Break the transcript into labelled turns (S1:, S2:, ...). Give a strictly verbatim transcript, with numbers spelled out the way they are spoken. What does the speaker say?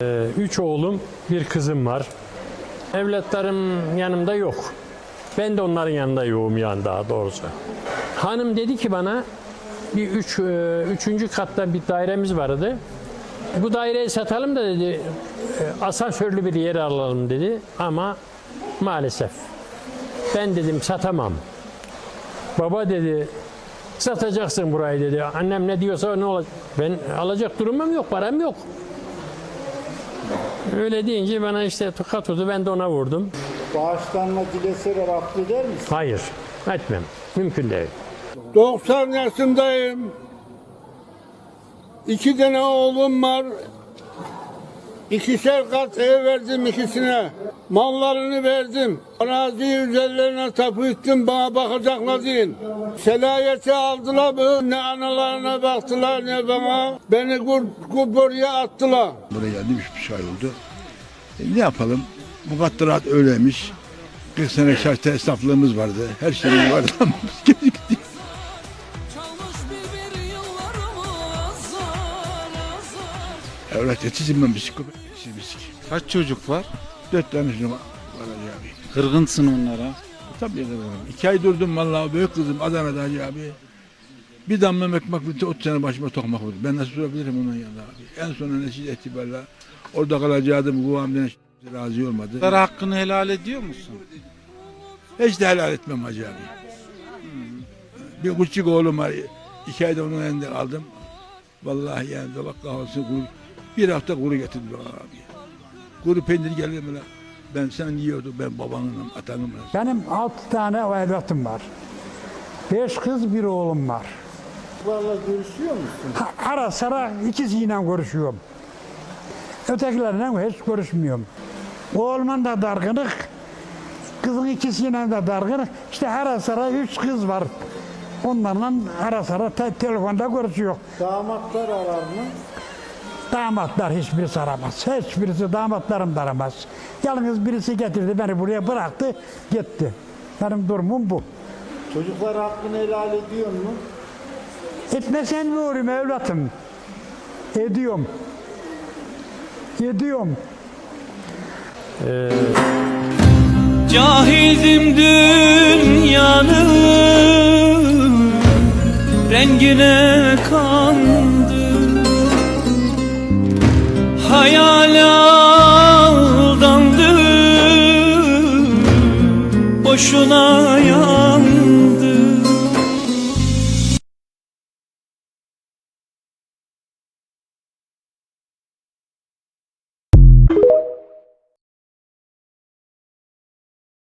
S1: Ee, üç oğlum, bir kızım var. Evlatlarım yanımda yok. Ben de onların yanında yoğum yani daha doğrusu. Hanım dedi ki bana, bir üç, e, üçüncü katta bir dairemiz vardı. Bu daireyi satalım da dedi, e, asansörlü bir yer alalım dedi. Ama maalesef ben dedim satamam. Baba dedi, satacaksın burayı dedi. Annem ne diyorsa ne olacak? Ben alacak durumum yok, param yok. Öyle deyince bana işte tokat vurdu, ben de ona vurdum.
S2: Bağışlanma dileseler affeder misin?
S1: Hayır, etmem. Mümkün değil.
S3: doksan yaşındayım. İki tane oğlum var. İkişer kat ev verdim ikisine. Mallarını verdim. Araziyi üzerlerine tapu ettim, bana bakacaklar deyin. Selayeti aldılar mı? Ne analarına baktılar ne bana. Beni buraya attılar.
S4: Buraya geldim üç buçuk ay oldu. E, ne yapalım? Mukadderat öyleymiş. kırk sene şartta esnaflığımız vardı. Her şeyimiz vardı ama biz gittik. Evlat yetişim psikopat.
S5: Kaç çocuk var?
S4: Dört tane çocuğum var abi.
S5: Kırgınsın onlara.
S4: Tabii kırgınım. İki ay durdum vallahi büyük kızım Adana'da Hacı abi. Bir damla ekmek bitti, otuz sene başıma tokmak oldu. Ben nasıl durabilirim onun yanında abi? En son netice itibariyle orada kalacaktım. Kuvamdan razı olmadı.
S5: Onlara hakkını helal ediyor musun?
S4: Hiç de helal etmem Hacı abi. Bir küçük oğlum var. İki ayda onun elinde kaldım. Vallahi yani dolak kahvaltısı kuru. Bir hafta kuru getirdi bana abi. Kuru peynir geliyor böyle. Ben sen yiyordum, ben babanım, atanım.
S6: Benim altı tane evlatım var. Beş kız, bir oğlum var.
S2: Bunlarla görüşüyor musun?
S6: Ha, ara sıra ikisiyle görüşüyorum. Ötekilerle hiç görüşmüyorum. Oğlumun da dargınık, kızın ikisiyle de dargınık. İşte ara sıra üç kız var. Onlarla ara sıra te telefonda görüşüyor.
S2: Damatlar arar mı?
S6: Damatlar hiçbirisi aramaz. Hiçbirisi damatlarım da aramaz. Yalnız birisi getirdi beni buraya bıraktı gitti. Benim durumum bu.
S2: Çocuklar hakkını helal ediyor mu?
S6: Etmesen mi olayım evlatım? Ediyorum. Ediyorum.
S1: Ee,
S7: Cahildim dünyanın rengine kandım, hayal aldandım, boşuna ya